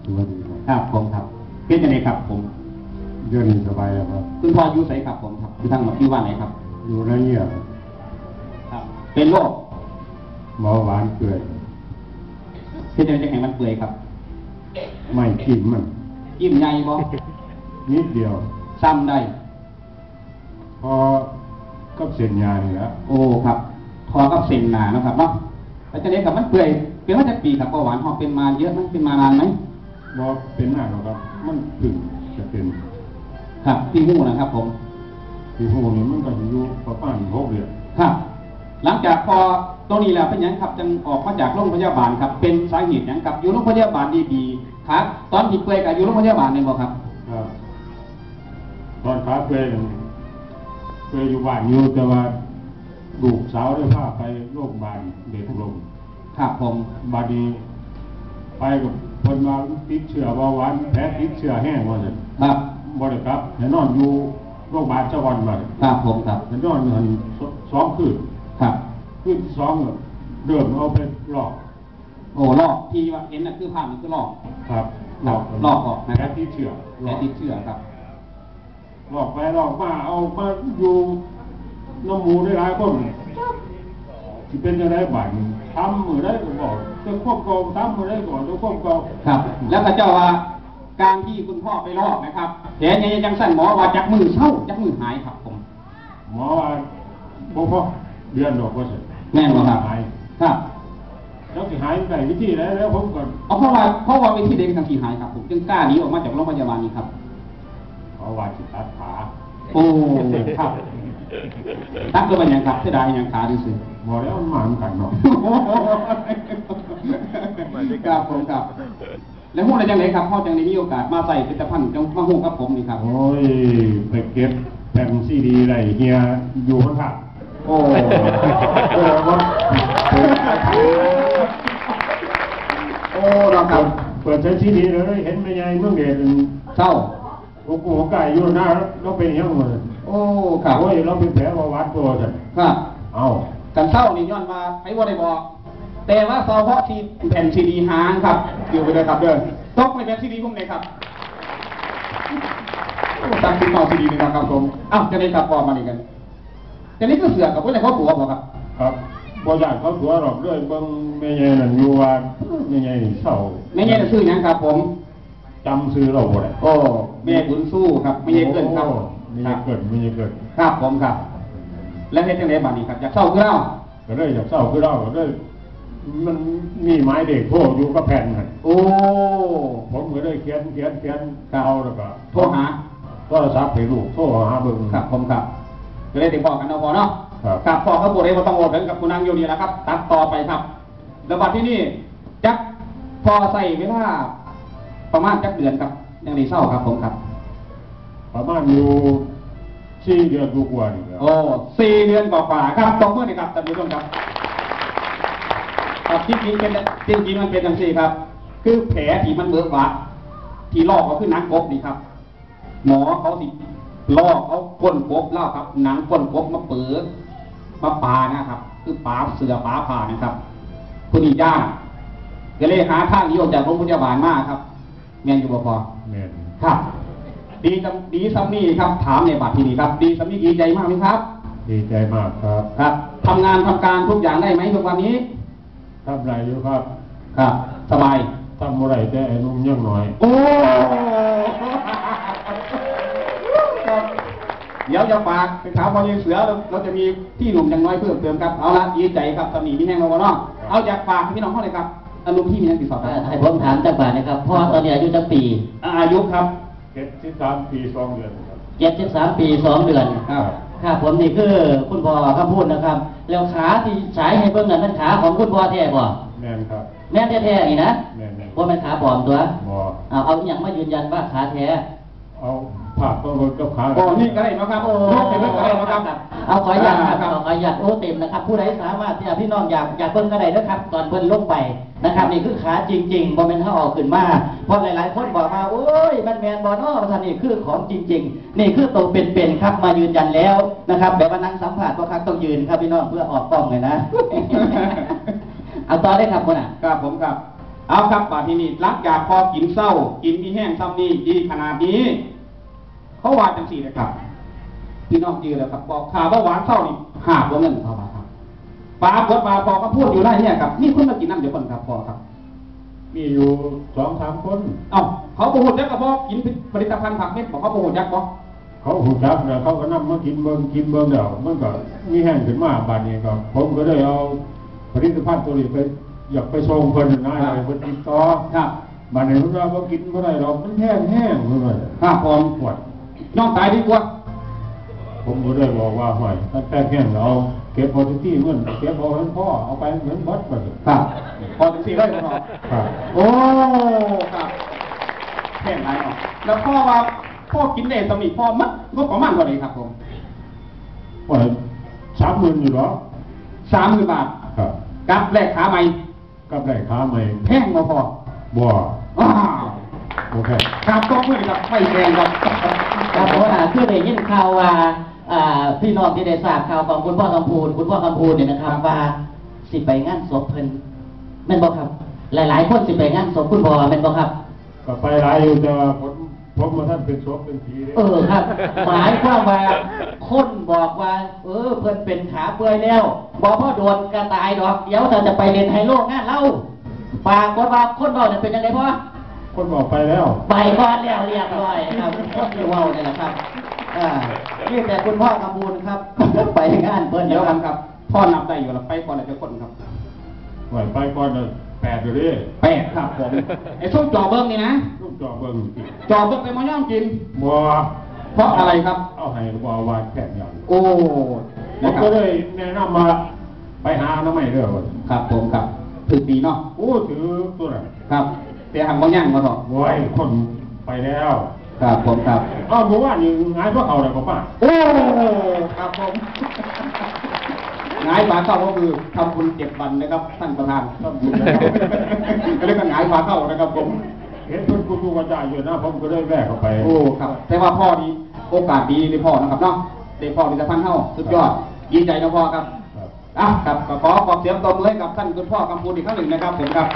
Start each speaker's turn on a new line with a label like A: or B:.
A: สวัสดี
B: ครับผมครับเป็นยังไงครับผม
A: เดือนสบายครับ
B: คุณพ่ออยู่ไสครับผมครับอยู่ทางอยู่บ้านไหนครับ
A: อยู่ไรเงี้ย
B: ครับเป็นโรค
A: เบาหวานเปื่อย
B: เป็นยังไงจะแข็งมันเปื่อยครับ
A: ไม่กินมัน
B: ยิ้มใหญ่บ่
A: นิดเดียว
B: ซ้ำได้
A: พอกับเส้นยานี่ละ
B: โอ้ครับพอกับเส้นหนานะครับเนาะแล้วจะเรียกกับมันเปื่อยเป็นมาจากปีครับเบาหวานหอเป็นมาเยอะมั้ยเป็นมานานไหม
A: บ่เป็นหน้าหรอกครับมันถึงจะเป็น
B: ครับที่หูนะครับผม
A: ที่หูนี่มันก็อยู่ประมาณ6 เดือน
B: ครับหลังจากพอตรงนี้แล้วเป็นยังครับจึงออกมาจากโรงพยาบาลครับเป็นสาเหตุยังครับอยู่โรงพยาบาลดีๆครับตอนที่เปื่อยกับอยู่โรงพยาบาลนี่บ่ครับ
A: ครับตอนขาเปื่อยอยู่บ้านอยู่แต่ว่าลูกสาวได้พาไปโรงพยาบาลเด็กลง
B: ครับผม
A: บาดนี้ไปกับคนมาติดเชื้อเบาหวานแผลติดเชื้อแห้งว่าเลย
B: ครับ
A: บ่ได้ครับเห็นนอนอยู่โรงพยาบาลเจ้าวันมา
B: ครับผมครับ
A: เห็นนอนอยู่2 คืน
B: ครับ
A: คืนที่2เริ่มเอาไปลอก
B: โอ้ลอกที่ว่าเห็นน่ะคือภาพนี่คือลอก
A: ครับ
B: ลอกออกนะ
A: แผลติดเชื้อ
B: ครับ
A: ลอกไปลอกมาเอามาอยู่น้ำมูได้หลายคนที่เป็นยังไงบ้างทำมือได้ก็บอกจะควบกองทำมือได้ก่อนจะควบกอง
B: ครับแล้วก็เจ้าว่าการที่คุณพ่อไปลอกนะครับแผลยังจังสั้นหมอว่าจากมือเศร้าจากมือหายครับผม
A: หมอว่าบ่พอเดือนดอกว่าสิ
B: แน่นอนครับ
A: หาย
B: ครับ
A: แล้วสิหายได้วิธีแล้วผมก่อน
B: เพราะว่าวิธีเด็กทางที่หายครับผมจึงกล้าหนีออกมาจากโรงพยาบาลนี้ครับ
A: เพราะว่าสิตัดขา
B: โอ้ครับตัดก็เป็นอย่างครับเสียดายอย่างขาดูสิ
A: หมอแล้วมันมาเหมือนกันเนาะ
B: ครับผมครับแล้วหู้อะไรจังเลยครับพ่อจังได้มีโอกาสมาใส่ผลิตภัณฑ์จังมาหู้กับผมนี่ครับ
A: โอ้ยไปเก็บแผ่นซีดีอะไรเฮียอยู่ข้าง
B: โอ้เราครับ
A: เปิดใช้ซีดีเลยเห็นไม่ใหญ่เมื่อเดือน
B: เศร้า
A: โอ้โหไก่อยู่หน้าเราเป็นยังไง
B: โอ้ครับ
A: โอ้ยเราเป็นแผลวัดตัวกัน
B: ครับ
A: เอา
B: กันเศร้านี่ย้อนมาให้ว่าได้บอกแต่ว่าเศร้าเพราะที่แผ่นซีดีหางครับอยู่ไปเลยครับเดินตกในแผ่นซีดีผมเลยครับตั้งขึ้นมาซีดีนี่นะครับผมอ้าวจะได้ครับพอมาดีกันแต่นี่ก็เสือกกับพวกอะไรเขาตัวบอกครับ
A: ครับบริษัทเขาตัวหรอกด้วยบางไม่ใหญ่นั่นอยู่ว่าไม่ใหญ่เศร้า
B: ไม่ใหญ่ชื่อยังครับผม
A: จำซื้อเราบ่ได้
B: โอ้แม่บุญสู้ครับไม่ใช่เกินครับ
A: ไม่ใช่เกิน
B: ครับผมครับแล้วเฮ็ดจังได๋บัดนี้ครับอยากเศร้าคือเรา
A: ก็เลยอยากเศร้าคือเราก็เลยมันมีไม้เด็กโทรอยู่กับแผ่นน่ะ
B: โอ้
A: ผมก็เลยเขียนเอาแล้วก็
B: โทรหา
A: โทรศัพท์ให้ลูกโทรหาเบิ่ง
B: ครับผมครับก็เลยติดต่อกันเนาะพอเนาะครับพอเขาบ่ได้บ่ต้องโอนกันกับคุณนางอยู่นี่แหละครับตัดต่อไปครับแล้วบัดที่นี่จักพอใส่เวลาประมาณจักเดือนครับยังได้เศร้าครับผมครับ
A: ประมาณอยู่4 เดือนกว่านี่ครับ
B: โอ้4 เดือนกว่าครับตบมือหน่อยครับท่านผู้ชมครับครับจริงๆมันเป็นจังซี่ครับคือแผลที่มันเบิกบาดที่ลอกก็คือหนังกบนี่ครับหมอเขาสิลอกเอาก้นกบเล่าครับหนังก้นกบมาเปิดมาปานะครับคือปาเสือปาผ่านะครับผู้นี้ย่างก็เลยหาทางหนีออกจากโรงพยาบาลมากครับแม่นอยู่บ่พอ
A: แม่น
B: ครับดีซ้ำนี่ครับถามในบัตรที่นี่ครับดีซ้ำนี่ดีใจมากไหมครับ
A: ดีใจมากครับ
B: ครับทำงานทำการทุกอย่างได้ไหมทุกวันนี้
A: ทำไรอยู่ครับ
B: ครับสบาย
A: ทำอะไรแต่ไอ้นุ่มยังหน่อย
B: โอ้เดี๋ยวจะฝากไปถามพอยังเสือเราจะมีที่หนุ่มยังน้อยเพิ่มเติมครับเอาละดีใจครับตอนนี้มีแห้งเราบ่เนาะเอาอยากฝากพี่น้องเขาเลยครับอารมณ์ที่มีนักศึกษา
C: ให้ผมถามจังหวะนะครับพ่อตอนนี้อายุจักปี
B: อายุครับ
A: 73 ปี 2 เดือนครับ
C: 73 ปี 2 เดือนครับผมนี่คือคุณพ่อคำพูดนะครับแล้วขาที่ฉายให้เบิ่งนั่นเป็นขาของคุณพ่อแท้บ่
A: แม่นครับ
C: แม่นแท้ๆนี่นะ
A: แม่น
C: ว่าเป็นขาปลอมตัว
A: บ่
C: เอาอย่างมายืนยันว่าขาแท้
A: เอาผ่าก็เบิ่งกับขา
B: โอ้นี่ก็ได้นะครับโอ้เป็นเรื่องก็ได้นะครับ
C: เอาขออนุญาตครับขออนุญาตโอ้เต็มนะครับผู้ใดสามารถที่พี่น้องอยากเบิ่งก็ได้นะครับตอนเพิ่นลงไปนะครับนี่คือขาจริงๆบ่แม่นเฮาเอาขึ้นมาเพราะหลายๆคนบอกมาโอ้ยมันแม่นบ่เนาะว่าซั่นนี่คือของจริงๆนี่คือตัวเป็นๆครับมายืนยันแล้วนะครับแบบว่านั่งสัมภาษณ์บ่ครับต้องยืนครับพี่น้องเพื่อออกกล้องเลยนะเอาต่อได้ครับพุ่นน่ะ
B: ครับผมครับเอาครับป่าที่นี่หลังจากพอกินเศร้ากินมีแห้งซ้ำนี้ดีขนาดนี้เขาว่าจังสี่เลยครับพี่น้องจือแล้วครับบอกข่าวว่าหวานเศร้านี่หาบว่าเงินเขาว่าครับปลากดปลาพอก็พูดอยู่ได้เนี่ยครับนี่คนมากินน้ำเดี๋ยวคนครับพอครับ
A: มีอยู่2-3 คน
B: เอ้าเขาโปรโมทยักษ์กับบอกกินผลิตภัณฑ์ผักเม็ดบอกเขาโปรโมทยักษ์บอก
A: เขาหูจักแล้วเขาก็นำมากินเบิ่งเดี๋ยวมันก็มีแห้งขึ้นมาบาดนี้ก็ผมก็ได้เอาผลิตภัณฑ์ตัวนี้ไปอยากไปส่งเพิ่นนะให้เพิ่นติดต่อ
B: ครับ
A: บาดนี้เพิ่นว่าบ่กินบ่ได้หรอกมันแห้งเพิ่นว่า
B: ครับผม
A: ปวด
B: น้องตายดีกว่า
A: ผมก็เลยบอกว่าห้อยถ้าแก้แห้งเอาเก็บพอที่เงินเก็บเอาให้พ่อเอาไปเหมือนบัดบัด
B: ครับพอถึงสี่เลยพอ
A: ครับ
B: โอ้ครับแค่ไหนเนาะแล้วพ่อว่าพ่อกินได้สมิพ่อมัดก็ประมาณเท่าไหร่ครับผม
A: ว่า30,000อยู่หรอ
B: 30,000 บาท
A: ครับ
B: กับแลกขาใหม่
A: กับได้ค้าใหม่
B: แพงมาพอ
A: บ่
B: อ้าว
A: โอเค
B: ครับต้องเพื่อนครับไม่แพงครับ
C: ครับเพราะว่าคือได้ยินข่าวว่าพี่น้องที่ได้ทราบข่าวของคุณพ่อคำพูนเนี่ยนะครับว่าสิไปงานศพเพิ่นแม่นบ่ครับ หลายๆคนสิไปงานศพคุณพ่อแม่นบ่ครับ
A: ก็ไปหลายอยู่แต่ว่าผมมาท่านเป็นศพเป็นผีเลย
C: ครับ หมายความว่าคนบอกว่า เพิ่นเป็นขาเปื่อยแล้วบอกพ่อโดนกระตายดอกเดี๋ยวเราจะไปเล่นไฮโลงานเล่าปากว่าคนบอกเนี่ยเป็นยังไงพ่อ
A: คนบอกไปแล้ว
C: ไปก่อนแล้วเรียบร้อยครับคนที่เว้าเนี่ยแหละครับนี่แต่คุณพ่อกำบูลครับ ไปงานเพิ่น
B: เดี๋ยว
C: ค
B: กั
C: รั
B: น
C: บ
B: ครับ พ่อนับได้อยู่แล้วไปก่อนเลยจะคนครับ
A: ไหวไปก่อนน่ะ8อยู่ดิ
B: 8ครับผมไอ้ส้มจอเบิ้งนี่นะ
A: ลูกจอเบิ่งสิ
B: จอเบิ้งไปมาย่อมกิน
A: บ่
B: เพราะอะไรครับ
A: เอาให้บ่วานแค่อย่าง
B: โอ้
A: ผม
B: นะครั
A: ก็
B: บ
A: เลยแนะนำมาไปหาอนามัยเด้อว่า
B: ครับผมครับถึกดีเนาะ
A: โอ้ถือตัวนั้น
B: ครับแต่หังบางอย่างมาเถอะ
A: โว้ยคนไปแล้ว
B: ครับผมครับ
A: อ้าวเมื่อวานนี่งานพวกเขาได้บ่ป้า
B: โอ้ครับผมหงายฝาเข้าก็คือทำบุญ7 วันนะครับท่านประธาน
A: ทำบุญนะครับ
B: เรียกว่าหงายฝาเข้านะครับผม
A: เห็นเพิ่นกูกระจายอยู่นะผมก็เลยแวะเข้าไป
B: โอ้ครับแต่ว่าพ่อนี้โอกาสดีเลยพ่อนะครับเนาะเด็กพ่อมีแต่พันเท่าสุดยอดดีใจนะพ่อครับ
A: ครับ
B: อ่ะครับก็ขอเสียงตบมือให้กับท่านคุณพ่อกำพูนอีกครั้งหนึ่งนะครับผมครับ